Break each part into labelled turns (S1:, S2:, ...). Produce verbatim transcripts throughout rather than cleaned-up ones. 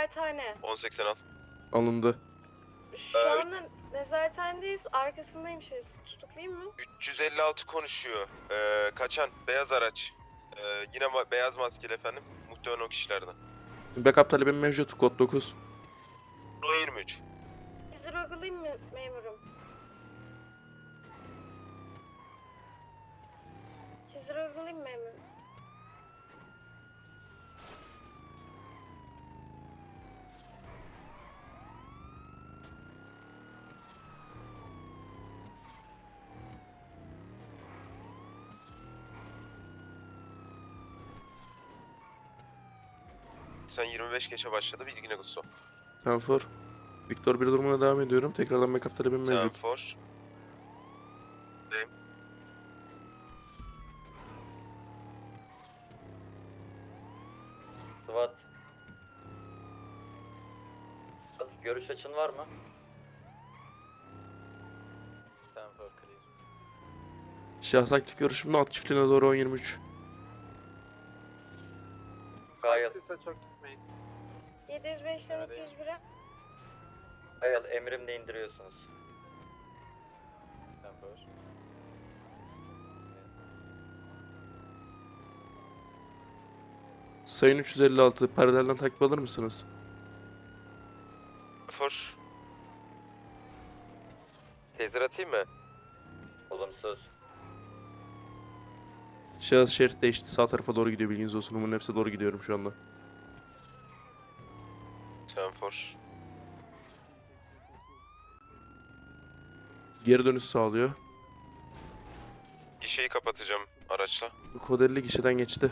S1: Nezarethane.
S2: on seksen al.
S3: Alındı.
S1: Şu
S2: Ee,
S1: anda nezarethanedeyiz. Arkasındayım şey. Tutuklayayım mı?
S2: üç yüz elli altı konuşuyor. Ee, kaçan beyaz araç. Ee, yine ma- beyaz maskeli efendim. Muhtemelen o kişilerden.
S3: Backup talebim mevcut. Kod dokuz.
S2: O yirmi üç.
S1: Sizi uygulayayım mı memurum? Sizi uygulayayım mı memurum?
S2: Sen yirmi beş geçe başladı. Bilgine Gusto.
S3: Tenfor. Victor bir durumuna devam ediyorum. Tekrardan backup talebim mevcut.
S2: Tenfor. Deyim.
S4: SWAT. Görüş açın var mı? Stanford clear.
S3: Şahs aktif görüşümde alt çiftliğine doğru on yirmi üç.
S4: Gayet.
S5: Çok gitmeyin.
S1: yedi yüz beşten iki yüz bire.
S4: Gayet emrimle indiriyorsunuz. Stanford.
S3: Sayın üç yüz elli altı. Perdelerden takip alır mısınız?
S2: Tenfor. Tezir atayım mı?
S4: Olumsuz.
S3: Şahıs şerit değişti. Sağ tarafa doğru gidiyor. Bilginiz olsun. Umarım hepsi doğru gidiyorum şu anda.
S2: Tenfor.
S3: Geri dönüş sağlıyor.
S2: Gişeyi kapatacağım araçla.
S3: Kod elli gişeden geçti.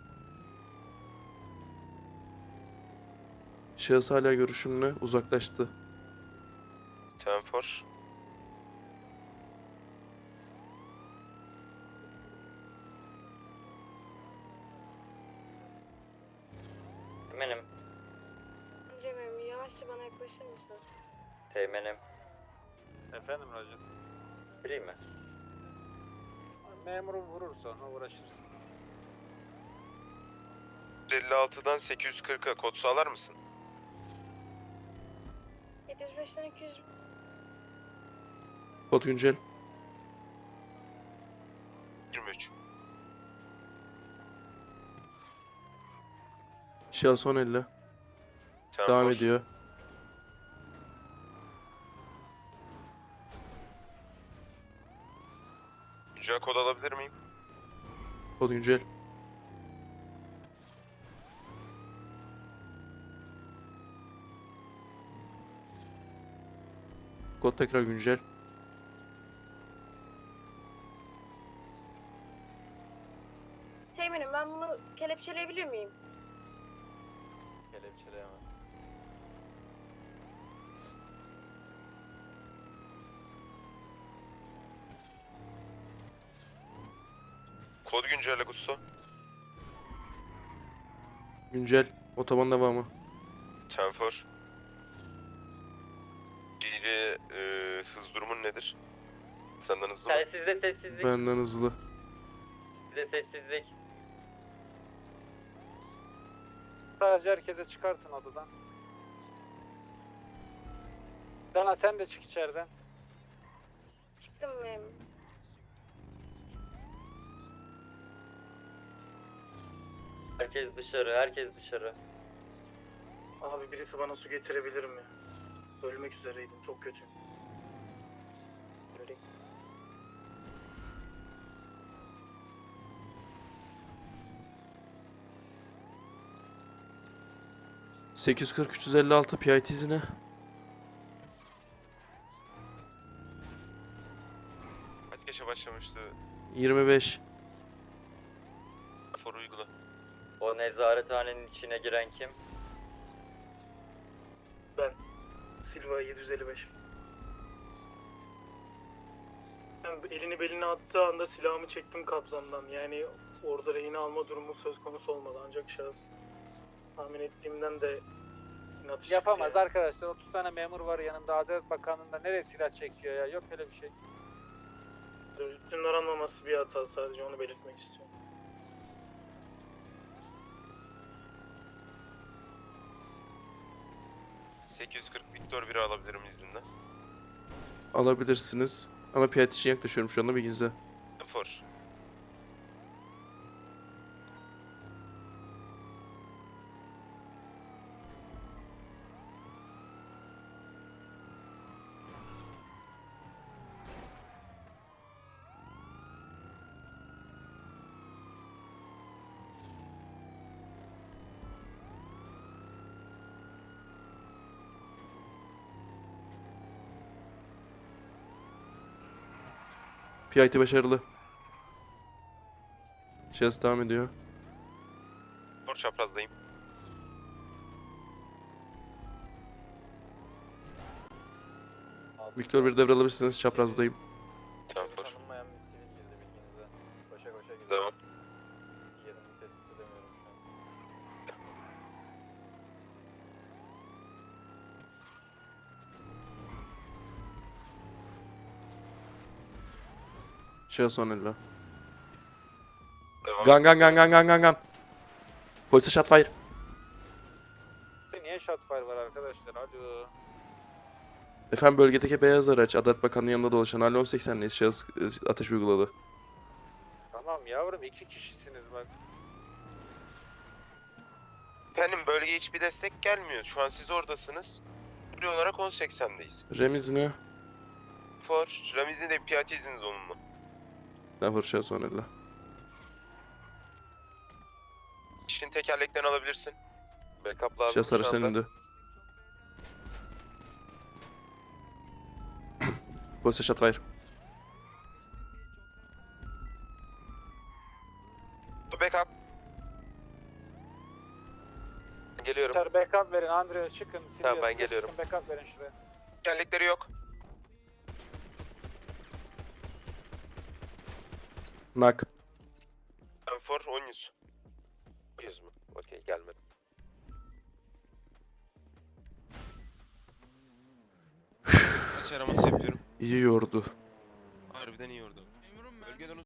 S3: Şahıs hala görüşümle uzaklaştı.
S2: Tenfor.
S4: Teğmenim.
S1: Önce memurum yavaşça bana yaklaşır mısın?
S4: Teğmenim.
S5: Efendim Roger.
S4: Free mi?
S5: Memurum vurur sonra uğraşırız.
S2: elli altıdan sekiz yüz kırka kod sağlar mısın?
S1: yedi yüz beşten iki yüz.
S3: Kod güncel.
S2: yirmi üç.
S3: Şahıs on elli.
S2: Tenfor.
S3: Devam ediyor.
S2: Güncel kod alabilir miyim?
S3: Kod güncel. Kod tekrar güncel.
S1: Teğmenim ben bunu kelepçeleyebilir miyim?
S4: Kelepçeleyemem.
S2: Kod güncelle Gusto.
S3: Güncel. Otoban devamı.
S2: Tenfor. Geri e, hız durumun nedir? Senden hızlı mı?
S4: Sizde sessizlik.
S3: Benden hızlı.
S4: Sizde sessizlik.
S5: Sadece herkese çıkartın odadan. Dana sen de çık içeriden.
S1: Çıktım memurum.
S4: Herkes dışarı, herkes dışarı.
S6: Abi birisi bana su getirebilir mi? Ölmek üzereydim. Çok kötü. Öleyim.
S3: sekiz yüz kırk üç yüz elli altı P I T izine.
S2: Kaç geçe başlamıştı?
S3: yirmi beş.
S2: Tenfor uygula.
S4: O nezarethanenin içine giren kim?
S6: Ben. Silva yedi yüz elli beş. Ben elini beline attığı anda silahımı çektim kabzamdan. Yani orada rehin alma durumu söz konusu olmadı. Ancak şahıs tahmin ettiğimden de inatçı
S5: Yapamaz
S6: çıktı
S5: arkadaşlar. otuz tane memur var yanında. Adalet Bakanlığı'nda nereye silah çekiyor ya? Yok öyle bir şey.
S6: yani. Üstünün aranmaması bir hata, sadece onu belirtmek istiyorum.
S2: sekiz yüz kırk Victor biri alabilirim izinle.
S3: Alabilirsiniz. Ama piyade için yaklaşıyorum şu anda, bilginize.
S2: For.
S3: P I T başarılı. Şahıs devam ediyor.
S2: For çaprazdayım.
S3: Victor bir devralabilirsiniz, çaprazdayım.
S2: Tamam for.
S5: Tanınmayan bir sivil girdi bilginize. Koşa koşa gidiyor.
S2: Devam.
S5: Yerini tespit edemiyorum şu an.
S3: Şahıs on elli.
S2: Devam.
S3: Gan gan gan gan gan gan gan. Polise shot fire.
S5: Niye shotfire var arkadaşlar? Alo.
S3: Efendim bölgedeki beyaz araç Adalet Bakanı'nın yanında dolaşan Hal on seksen'liyiz. Şahıs e, ateş uyguladı.
S5: Tamam yavrum iki kişisiniz bak.
S2: Efendim bölgeye hiçbir destek gelmiyor. Şu an siz oradasınız. Süre olarak on seksendeyiz.
S3: Remizine.
S2: For. Ramiz'in de P I T izniniz onunla.
S3: Ben vur şahıs on elli.
S2: İşin tekerleklerini alabilirsin. Backup lazım.
S3: Şahıs
S2: şu
S3: araçtan
S2: anda.
S3: indi. Polise shot fire.
S2: Backup. Geliyorum.
S5: Yeter backup verin Andrea çıkın.
S2: Tamam, ben
S5: Sirius,
S2: geliyorum.
S5: çıkın, backup verin şuraya.
S2: Tekerlekleri yok.
S3: Nak.
S2: Ben for on yüz. yüz mü? Okey gelmedi.
S7: Kaç araması yapıyorum.
S3: İyi yordu.
S7: Harbiden iyi orada. Bölgeden